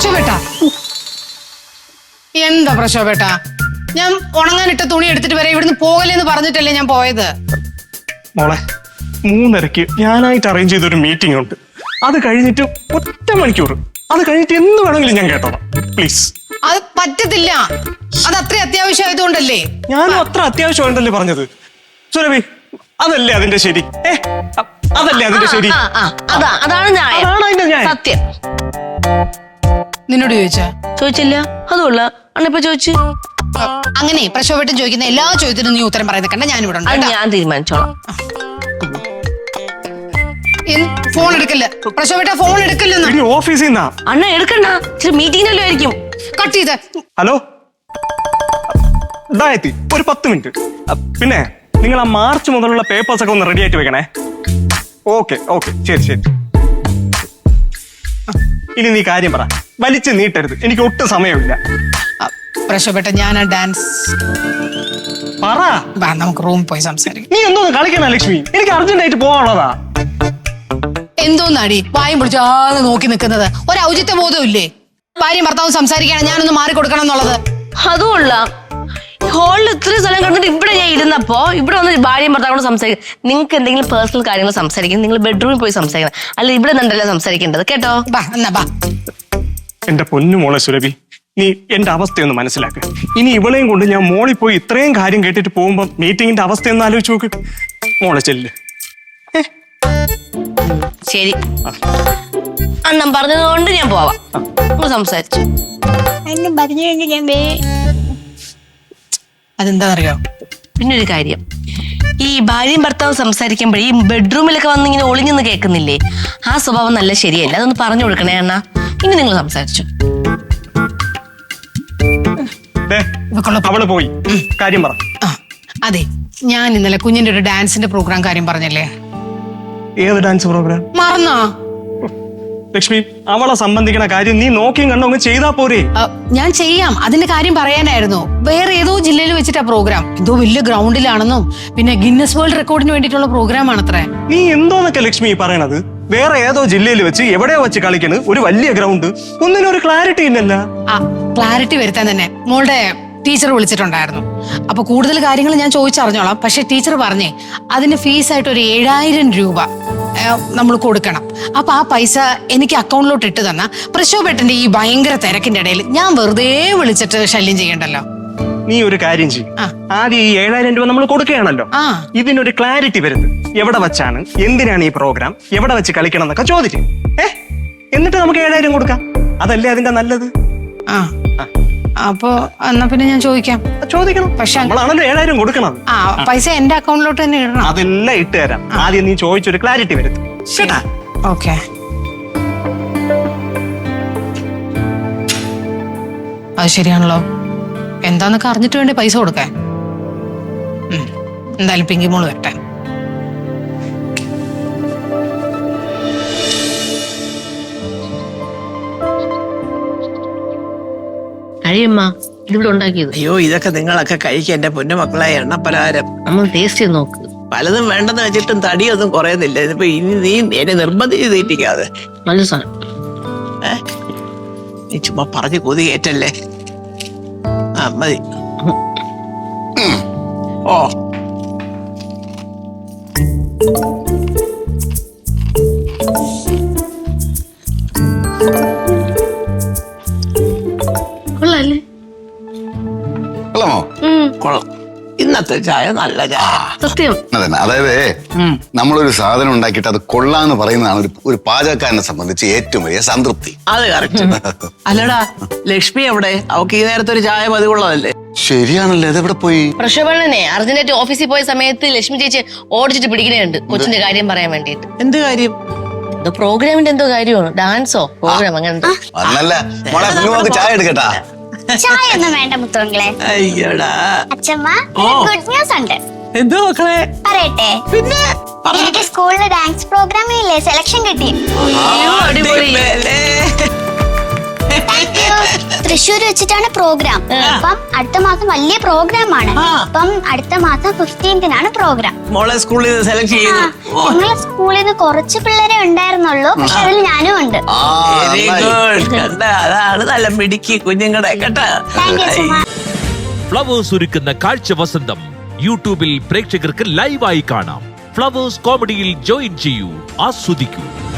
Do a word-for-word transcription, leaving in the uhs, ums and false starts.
പ്രശോഭേട്ടാ എന്താ പ്രശോഭേട്ടാ ഞാൻ ഉണങ്ങാനിട്ട തുണി എടുത്തിട്ട് വരെ ഇവിടുന്ന് പോകലെന്ന് പറഞ്ഞിട്ടല്ലേ ഞാൻ പോയത്. മോളെ മൂന്നരക്ക് ഞാനായിട്ട് അറേഞ്ച് ചെയ്തൊരു മീറ്റിംഗ് ഉണ്ട്. അത് കഴിഞ്ഞിട്ട് ഒറ്റ മണിക്കൂർ അത് കഴിഞ്ഞിട്ട് എന്ന് വേണമെങ്കിലും ഞാൻ കേട്ടോളാം പ്ലീസ്. അത് പറ്റത്തില്ല. അത് അത്ര അത്യാവശ്യമായതുകൊണ്ടല്ലേ. ഞാനും അത്ര അത്യാവശ്യമുണ്ടല്ലേ പറഞ്ഞത്. സുരഭി അതല്ലേ അതിന്റെ ശരി. ഏ അതല്ലേ അതിന്റെ ശരി. അതാ അതാണ് ന്യായം. സത്യം. നിന്നോട് ചോദിച്ചാ? ചോദിച്ചില്ല. അതുകൊള്ള അണ്ണിപ്പോ ചോദിച്ചു. അങ്ങനെ പ്രശോഭേട്ടൻ ചോദിക്കുന്ന എല്ലാ ചോദ്യത്തിനും നീ ഉത്തരം പറയുന്ന കണ്ട ഞാൻ ഇവിടെ ഉണ്ട്. ഞാൻ തീരുമാനിച്ചോളാം. Phone എടുക്കല്ല പ്രശോഭേട്ട, phone എടുക്കല്ലെന്ന്. ഓഫീസിൽ നിന്നാ. അണ്ണ എടുക്കണ്ട, ഇച്ചിരി മീറ്റിംഗിലല്ലോ ആയിരിക്കും. കട്ട് ചെയ്ത്. ഹലോ ഇതായെത്തി ഒരു പത്ത് മിനിറ്റ്. പിന്നെ നിങ്ങൾ ആ മാർച്ച് മുതലുള്ള പേപ്പേഴ്സ് ഒക്കെ ഒന്ന് റെഡി ആയിട്ട് വെക്കണേ. ഓക്കെ ഓക്കെ ശരി ശരി. ഇനി നീ കാര്യം പറ, വലിച്ചു നീട്ടരുത്, എനിക്ക് ഒട്ടും സമയമില്ല. പ്രശോഭേട്ട ഞാൻ ആ ഡാൻസ് പറ. നമുക്ക് റൂമിൽ പോയി സംസാരിക്കാം. നീ എന്തോന്ന് കളിക്കണ ലക്ഷ്മി, എനിക്ക് അർജന്റ് ആയിട്ട് പോവാനുള്ളതാ. എന്തോന്നാടി വായും പിടിച്ചാതെ നോക്കി നിൽക്കുന്നത്? ഒരു ഔചിത്യ ബോധം ഇല്ലേ? ഭാര്യയും ഭർത്താവും സംസാരിക്കുകയാണ്, ഞാനൊന്ന് മാറിക്കൊടുക്കണം എന്നുള്ളത്. അതുകൊള്ള ഹോളിൽ ഇത്രയും സ്ഥലം കണ്ടിട്ട് ഇവിടെ ഞാൻ ഇരുന്നപ്പോ ഇവിടെ വന്ന് ഭാര്യയും ഭർത്താവോട് സംസാരിക്കും. നിങ്ങൾക്ക് എന്തെങ്കിലും പേഴ്സണൽ കാര്യങ്ങൾ സംസാരിക്കും, നിങ്ങൾ ബെഡ്റൂമിൽ പോയി സംസാരിക്കണം, അല്ല ഇവിടെ നിന്നല്ല സംസാരിക്കേണ്ടത് കേട്ടോ. എന്റെ പൊന്നു മോളെ സുരഭി, നീ എന്റെ അവസ്ഥയൊന്ന് മനസ്സിലാക്കുക. ഇനി ഇവളെയും കൊണ്ട് ഞാൻ മോളിൽ പോയി ഇത്രയും കാര്യം കേട്ടിട്ട് പോകുമ്പോ മീറ്റിംഗിന്റെ അവസ്ഥയൊന്ന് ആലോചിച്ച് നോക്ക്. മോളെ ചെല്ല്. ശരി, അണ്ണൻ പറഞ്ഞതുകൊണ്ട് ഞാൻ പോവാം. സംസാരിച്ചു അതെന്താണെന്നറിയോ? പിന്നെ ഒരു കാര്യം, ഈ ഭാര്യയും ഭർത്താവും സംസാരിക്കുമ്പോഴേ ഈ ബെഡ്റൂമിലൊക്കെ വന്ന് ഇങ്ങനെ ഒളിഞ്ഞെന്ന് കേൾക്കുന്നില്ലേ, ആ സ്വഭാവം നല്ല ശരിയല്ല. അതൊന്ന് പറഞ്ഞു കൊടുക്കണേ അണ്ണ. ഇനി നിങ്ങൾ സംസാരിച്ചു. അവള് പോയി കാര്യം പറ. അതെ, ഞാൻ ഇന്നലെ കുഞ്ഞിന്റെ ഒരു ഡാൻസിന്റെ പ്രോഗ്രാം കാര്യം പറഞ്ഞല്ലേ? ഏത് ഡാൻസ് പ്രോഗ്രാം? മറന്നോ? ലക്ഷ്മി, അവളെ സംബന്ധിക്കുന്ന കാര്യം നീ നോക്കിയും കണ്ടോ അങ്ങ് ചെയ്താ പോരെ? ഞാൻ ചെയ്യാം, അതിന്റെ കാര്യം പറയാനായിരുന്നു. വേറെ ഏതോ ജില്ലയിൽ വെച്ചിട്ടാ പ്രോഗ്രാം. എന്തോ വലിയ ഗ്രൗണ്ടിലാണെന്നും പിന്നെ ഗിന്നസ് വേൾഡ് റെക്കോർഡിന് വേണ്ടിയിട്ടുള്ള പ്രോഗ്രാം ആണത്രേ. നീ എന്തോന്നൊക്കെ ലക്ഷ്മി പറയണത്? വേറെ ഏതോ ജില്ലയിൽ വെച്ച് എവിടെയോ വെച്ച് കളിക്കണ് ഒരു വലിയ ഗ്രൗണ്ട്. ഒന്നിനും ഒരു ക്ലാരിറ്റി ഇല്ലല്ല. ആ ക്ലാരിറ്റി വരുത്താൻ തന്നെ മോളുടെ ടീച്ചർ വിളിച്ചിട്ടുണ്ടായിരുന്നു. അപ്പൊ കൂടുതൽ കാര്യങ്ങൾ ഞാൻ ചോദിച്ചറിഞ്ഞോളാം. പക്ഷെ ടീച്ചർ പറഞ്ഞേ അതിന് ഫീസായിട്ട് ഒരു ഏഴായിരം രൂപ നമ്മൾ കൊടുക്കണം. അപ്പൊ ആ പൈസ എനിക്ക് അക്കൗണ്ടിലോട്ട് ഇട്ട് തന്ന പ്രശോഭേട്ടന്റെ ഈ ഭയങ്കര തിരക്കിന്റെ ഇടയിൽ ഞാൻ വെറുതെ വിളിച്ചിട്ട് ശല്യം ചെയ്യണ്ടല്ലോ. നീ ഒരു കാര്യം ചെയ്യും, ആദ്യം ഈ ഏഴായിരം രൂപ നമ്മൾ കൊടുക്കുകയാണല്ലോ, ഇതിനൊരു ക്ലാരിറ്റി വരുന്നത്. എവിടെ വെച്ചാണ്, എന്തിനാണ് ഈ പ്രോഗ്രാം, എവിടെ വെച്ച് കളിക്കണം എന്നൊക്കെ ചോദിക്കും. ഏഹ് എന്നിട്ട് നമുക്ക് ഏഴായിരം കൊടുക്കാം. അതല്ലേ അതിന്റെ നല്ലത്? ആ അപ്പൊ എന്നാ പിന്നെ ഞാൻ ചോദിക്കാം. ചോദിക്കണം, പക്ഷെ നമ്മളാണല്ലോ ഏഴായിരം കൊടുക്കണം. ആ പൈസ എന്റെ അക്കൗണ്ടിലോട്ട് തന്നെ ഇടണം. അതെല്ലാം ഇട്ട് തരാം. ആദ്യം നീ ചോദിച്ചൊരു ക്ലാരിറ്റി വരുത്തും. ഓക്കെ. അത് ശരിയാണല്ലോ. എന്താന്നൊക്കെ അറിഞ്ഞിട്ട് വേണ്ടേ പൈസ കൊടുക്കാൻ. എന്തായാലും പിങ്കി മോള് വരട്ടെ. കഴിയമ്മ ഇതിവിടെ ഉണ്ടാക്കിയത്. അയ്യോ, ഇതൊക്കെ നിങ്ങളൊക്കെ കഴിക്കുക എന്റെ പൊന്നുമക്കളായ എണ്ണപ്പലഹാരം. നമ്മൾ ടേസ്റ്റ് ചെയ്ത് നോക്ക്. പലതും വേണ്ടെന്ന് വെച്ചിട്ടും തടിയൊന്നും കുറയുന്നില്ല. ഇതിപ്പോ ഇനി നീ എന്നെ നിർബന്ധിച്ച് തീറ്റിക്കാതെ. നല്ല സാധനം. ഏ നീ ചുമ്മാ പറഞ്ഞു കൊതി കയറ്റല്ലേ. ആ മതി. ഓ കൊള്ളാല്ലേ? കൊള്ളാമോ? കൊള്ളാം. ഇന്നത്തെ ചായ നല്ല ചായ. സത്യം. അതന്നെ, അതായത് നമ്മളൊരു സാധനം ഉണ്ടാക്കിയിട്ട് അത് കൊള്ളാന്ന് പറയുന്നതാണ് ഒരു ഒരു പാചകക്കാരനെ സംബന്ധിച്ച് ഏറ്റവും വലിയ സംതൃപ്തി. അത് കറക്റ്റ്. അല്ലടാ, ലക്ഷ്മി എവിടെ? അവക്ക് ഈ നേരത്തെ ഒരു ചായ പതിവുള്ളതല്ലേ? ശരിയാണല്ലേ, അതെവിടെ പോയി? പ്രശോഭനെ അർജന്റായിട്ട് ഓഫീസിൽ പോയ സമയത്ത് ലക്ഷ്മി ചേച്ചി ഓടിച്ചിട്ട് പിടിക്കുന്നുണ്ട് കൊച്ചിന്റെ കാര്യം പറയാൻ വേണ്ടിട്ട്. എന്ത് കാര്യം? എന്തോ പ്രോഗ്രാമിന്റെ എന്തോ കാര്യമാണോ, ഡാൻസോ പ്രോഗ്രാം അങ്ങനെ. അന്നല്ല മോളെ, കുഞ്ഞുമോൾക്ക് ചായ എടുക്കട്ടാ? ചായ ഒന്നും വേണ്ട മുത്തോങ്ങളെ. അയ്യോടാ അച്ഛമ്മ, ഗുഡ് ന്യൂസ് ഉണ്ട്. എന്തോ മക്കളെ? പറയട്ടെ? പിന്നെ എനിക്ക് സ്കൂളിലെ ഡാൻസ് പ്രോഗ്രാമിനില്ലേ സെലക്ഷൻ കിട്ടി. അടിപൊളി. തൃശ്ശൂർ വെച്ചിട്ടാണ് പ്രോഗ്രാം. അപ്പം അടുത്ത മാസം വലിയ പ്രോഗ്രാം ആണ്. ആ. അപ്പം അടുത്ത മാസം ഫിഫ്റ്റീൻത്തിനാണ് പ്രോഗ്രാം. മോളെ സ്കൂളിൽ നിന്ന് സെലക്ട് ചെയ്തു. ഓ, ഞങ്ങളെ സ്കൂളിൽ നിന്ന് കുറച്ച് പിള്ളേരെ ഉണ്ടായിരുന്നുള്ളൂ, പക്ഷെ അതിൽ ഞാനും ഉണ്ട്. ആ, വെരി നന്നായി. ഗുഡ്. കണ്ട, അതാണ് നല്ല മിടുക്കി കുഞ്ഞുങ്ങളുടെ കേട്ടാ. Thank you Suma. ഫ്ലവേഴ്സ് ഒരുക്കുന്ന കാഴ്ച വസന്തം യൂട്യൂബിൽ പ്രേക്ഷകർക്ക് ലൈവായി കാണാം. ഫ്ലവേഴ്സ് കോമഡിയിൽ ജോയിൻ ചെയ്യൂ, ആസ്വദിക്കൂ.